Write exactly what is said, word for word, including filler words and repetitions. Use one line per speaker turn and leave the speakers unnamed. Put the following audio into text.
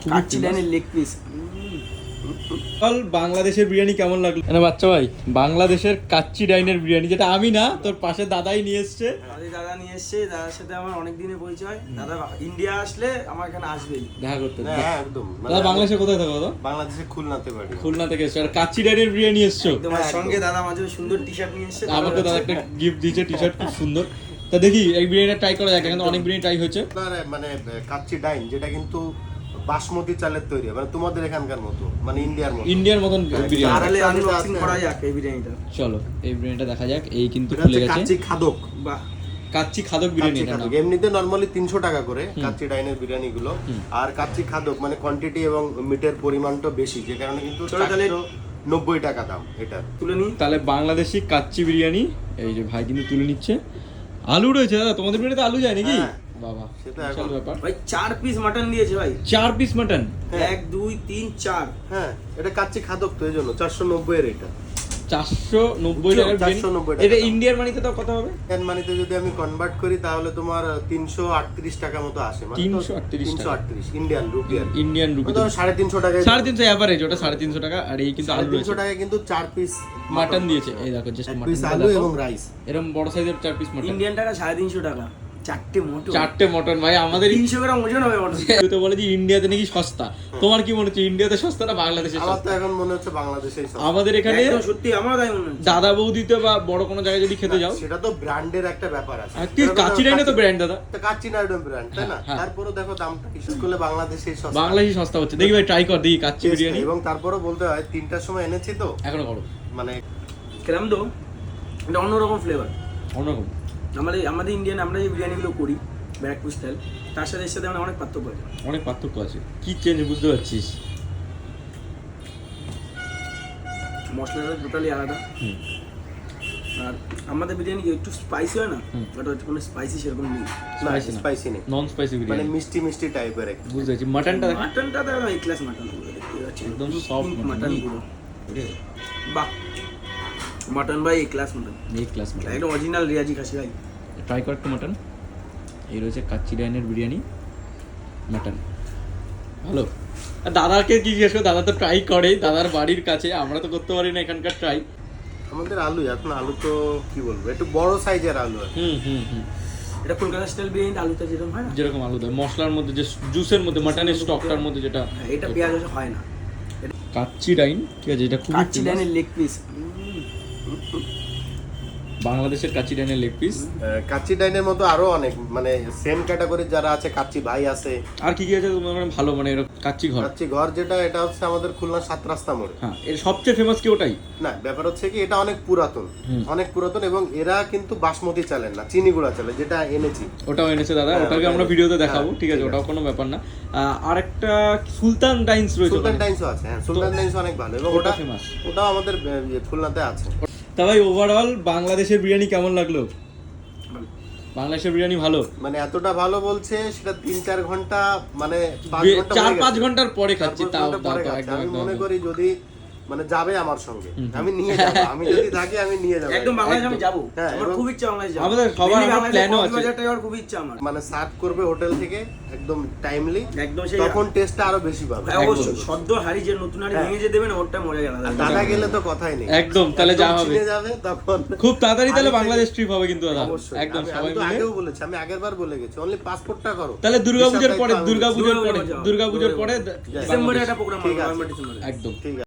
কাচ্চি ডাইনের leg piece.
বল বাংলাদেশের বিরিয়ানি কেমন লাগলো? না বাচ্চা ভাই, বাংলাদেশের কাচ্চি ডাইনের বিরিয়ানি, যেটা আমি না তোর পাশে দাদাই নিয়ে এসছে।
আমাদের দাদা নিয়ে এসছে, দাদার সাথে আমার অনেক দিনের পরিচয়। দাদা ইন্ডিয়া আসলে আমার এখানে আসবেই
দেখা করতে।
হ্যাঁ একদম।
দাদা বাংলাদেশে কোথায় থাকো? দাদা
বাংলাদেশে খুলনাতে বাড়ি।
খুলনা থেকে এসছো আর কাচ্চি ডাইনের বিরিয়ানি এসছো।
তোমার সঙ্গে দাদা মাঝে সুন্দর টি শার্ট নিয়ে এসছে।
আমাকে দাদা একটা গিফট দিয়েছে, টি শার্ট খুব সুন্দর। তা দেখি এই বিরিয়ানিটা ট্রাই করা যাক, কিন্তু অনেক বিরিয়ানি ট্রাই হয়েছে।
মানে কাচ্চি ডাইন যেটা কিন্তু বাসমতি চালের তৈরি, মানে তোমাদের এখানকার মতো, মানে ইন্ডিয়ার মতো।
ইন্ডিয়ার মতন বিরিয়ানি।
তাহলে আনবক্সিং করা যাক এই বিরিয়ানিটা।
চলো এই বিরিয়ানিটা দেখা যাক। এই কিন্তু খুলে গেছে
কাচ্চি খাদক।
বাহ,
কাচ্চি খাদক বিরিয়ানি।
কাচ্চি খাদক এমনিতে নরমালি তিনশো টাকা করে কাচ্চি ডাইনের বিরিয়ানি গুলো, আর কাচ্চি খাদক মানে কোয়ান্টিটি এবং মিটের পরিমাণটা বেশি, যে কারণে কিন্তু চারশো নব্বই টাকা দাম। এটা
তুলে নি।
তাহলে বাংলাদেশি কাচ্চি বিরিয়ানি, এই যে ভাই কিন্তু তুলে নিচ্ছে। আলু রয়েছে দাদা, তোমাদের বিরিয়ানিতে আলু যায় নাকি? বাবা
সেটা
বিশাল ব্যাপার।
ভাই চার পিস মাটন দিয়েছে ভাই।
চার পিস মাটন।
এক দুই তিন চার।
হ্যাঁ এটা কাচ্চি খাদক তো, এই জন্য চারশো নব্বই এর। এটা
চারশো নব্বই টাকার
চারশো নব্বই টাকা।
এটা ইন্ডিয়ার মানিতে তো কত হবে?
ইন্ডিয়ান মানিতে যদি আমি কনভার্ট করি তাহলে তোমার তিনশো আটত্রিশ টাকা মতো আসে। মানে
তিনশো আটত্রিশ
তিনশো আটত্রিশ ইন্ডিয়ান রুপি আর কি।
ইন্ডিয়ান রুপি
ধরো সাড়ে তিনশো টাকা।
সাড়ে তিনশো এভারেজ, ওটা সাড়ে তিনশো টাকা। আর এই কিন্তু আলু
তিনশো টাকা কিন্তু চার পিস
মাটন দিয়েছে। এই দেখো জাস্ট
পিস
মাটন,
আলু এবং রাইস।
এরকম বড় সাইজের চার পিস মাটন।
ইন্ডিয়ান টাকা সাড়ে তিনশো টাকা, চারটে মটন।
চারটে মটন ভাই, আমাদের
তিনশো গ্রাম ওজন হবে মটন।
তুই তো বলে যে ইন্ডিয়াতে নাকি সস্তা, তোমার কি মনে হচ্ছে ইন্ডিয়াতে সস্তা না বাংলাদেশে
আমার
সস্তা?
তো এখন মনে হচ্ছে বাংলাদেশেই সস্তা।
আমাদের এখানে
একদম সত্যি আমারও তাই মনে হচ্ছে।
দাদা বৌদিতে বা বড় কোনো জায়গায় যদি খেতে যাও,
সেটা তো ব্র্যান্ডের একটা ব্যাপার আছে।
আর কি কাচ্চি ডাইনে তো ব্র্যান্ড দাদা,
তো কাচ্চি ডাইন ব্র্যান্ড, তাই না?
হ্যাঁ।
তারপরেও দেখো দামটা হিসাব করলে বাংলাদেশেই সস্তা।
বাংলাদেশে সস্তা হচ্ছে। দেখি ভাই ট্রাই কর, দেখি কাচ্চি বিরিয়ানি।
এবং তারপরেও বলতে হয় তিনটার সময় এনেছি তো
এখনো করো
মানে
খেলাম তো, এটা অন্যরকম ফ্লেভার।
অন্যরকম।
আমাদের আমাদের ইন্ডিয়ান আমরা যে বিরিয়ানিগুলো করি ব্যারাকপুর স্টাইল, তার সাথে এর সাথে মানে অনেক পার্থক্য আছে।
অনেক পার্থক্য আছে। কি চেঞ্জ বুঝতে পারছিস?
মশলাটা টোটালি আলাদা।
হুম।
আর আমাদের বিরিয়ানি একটু স্পাইসি হয় না, ওটা একটু কোনো স্পাইসি সেরকম নেই।
স্পাইসি না,
স্পাইসি নেই,
নন স্পাইসি
মানে
বিরিয়ানি।
মিষ্টি মিষ্টি টাইপের একটা।
বুঝতে পারছি। মাটনটা দেখো,
মাটনটা তো একদম এই ক্লাস মাটন দেখতে পাচ্ছি,
একদম soft mutton।
মাটন পুরো। বাহ, মাটন ভাই এই ক্লাস মাটন,
এই ক্লাস মাটন।
একদম অরিজিনাল রিয়াজি খাসি ভাই।
ট্রাই কর একটু মাটন। এই রয়েছে কাচ্চি ডাইনের বিরিয়ানি মাটন, ভালো। আর দাদাকে কি জিজ্ঞেস করে, দাদা তো ট্রাই করে, দাদার বাড়ির কাছে, আমরা তো করতে পারি না এখানকার ট্রাই।
আমাদের আলু এখন আলু তো কি বলবো, একটু বড় সাইজের আলু আর কি।
হুম হুম হুম
এটা কলকাতা স্টাইল বিরিয়ানি, আলুটা যেরকম হয় না,
যেরকম আলু দেয় মশলার মধ্যে, যে জুসের মধ্যে, মাটনের স্টকটার মধ্যে যেটা।
হ্যাঁ, এটা পেঁয়াজ রসুন হয় না।
কাচ্চি ডাইন, ঠিক আছে, এটা খুবই
কাচ্চি ডাইনের লেগ পিস।
বাংলাদেশের কাচ্চি ডাইনের লেগ পিস।
আহ, কাচ্চি ডাইনের মতো আরো অনেক মানে সেম ক্যাটাগরির যারা আছে, কাচ্চি ভাই আছে।
আর কি কি আছে তোমার মানে ভালো, মানে এরকম কাচ্চি ঘর?
কাচ্চি ঘর যেটা, এটা হচ্ছে আমাদের খুলনা সাত রাস্তা মোড়ে।
হ্যাঁ, এর সবচেয়ে ফেমাস কি ওটাই?
না, ব্যাপার হচ্ছে কি এটা অনেক পুরাতন,
হুম।
অনেক পুরাতন, এবং এরা কিন্তু বাসমতি চালের না, চিনি গুঁড়া চালে, যেটা এনেছি।
ওটাও এনেছে দাদা,
হ্যাঁ,
ওটাকে
ওটা
আমরা
এনেছে।
ভিডিওতে দেখাবো,
হ্যাঁ,
ঠিক আছে,
ঠিক
ওটাও কোনো ব্যাপার না। আহ, আরেকটা সুলতান ডাইন্স রয়েছে
সুলতান
ওখানে।
ডাইন্সও আছে, হ্যাঁ সুলতান ডাইন্স অনেক ভালো, এবং
ওটা
ওটা
ফেমাস।
ওটাও আমাদের আহ, ইয়ে, খুলনাতে আছে।
তা ভাই ওভারঅল বাংলাদেশের বিরিয়ানি কেমন লাগলো? বাংলাদেশের বিরিয়ানি ভালো,
মানে এতটা ভালো বলছে সেটা তিন চার ঘন্টা মানে পাঁচ
বে-
ঘন্টা
চার
হয়ে
পাঁচ
গেছে।
ঘন্টার পরে
চার
খাচ্ছি,
পাঁচ
তাও
ঘন্টা
তাও
পরে
তো
খাচ্ছি।
একদম
আমি
একদম
মনে
একদম।
করি যদি মানে যাবে আমার সঙ্গে,
হুম।
আমি নিয়ে যাবো, আমি যদি থাকি আমি নিয়ে যাবো
একদম বাংলাদেশ আমি
একদম।
যাবো,
হ্যাঁ,
আমার
এবং
খুব ইচ্ছা বাংলাদেশ যাবো।
আমাদের সবার
Mainly
একটা
বাংলাদেশে
plan ও আছে।
কক্সবাজারটা যাওয়ার খুব ইচ্ছা আমার।
মানে সার্ভ করবে হোটেল থেকে একদম টাইমলি,
একদম সেই
তখন টেস্টটা আরো বেশি পাবে।
হ্যাঁ, অবশ্যই
একদম।
সদ্য হাড়ি যে নতুন হাড়ি
হ্যাঁ।
ভেঙে যে দেবেন ওরটা মজা গেল।
আর দাদা গেলে তো কথাই নেই,
একদম, তাহলে
একদম
যা হবে
চিনে যাবে তখন।
খুব তাড়াতাড়ি তাহলে
আগে থেকে-
বাংলাদেশ ট্রিপ হবে কিন্তু দাদা,
অবশ্যই,
একদম
আমি-
সবাই
আমি তো
মিলে।
আগেও বলেছি, আমি আগের বার বলে গেছি, অনলি পাসপোর্টটা করো।
তাহলে দুর্গাপূজার
হিসাব
পরে,
দায়িত্ব আমি-
দুর্গাপূজার পরে,
দুর্গাপূজা যাও।
দুর্গাপূজার পরে
ডিসেম্বরে একটা প্রোগ্রাম
ঠিক
হবে,
আছে।
নভেম্বর ডিসেম্বরে।
একদম।
ঠিক আছে।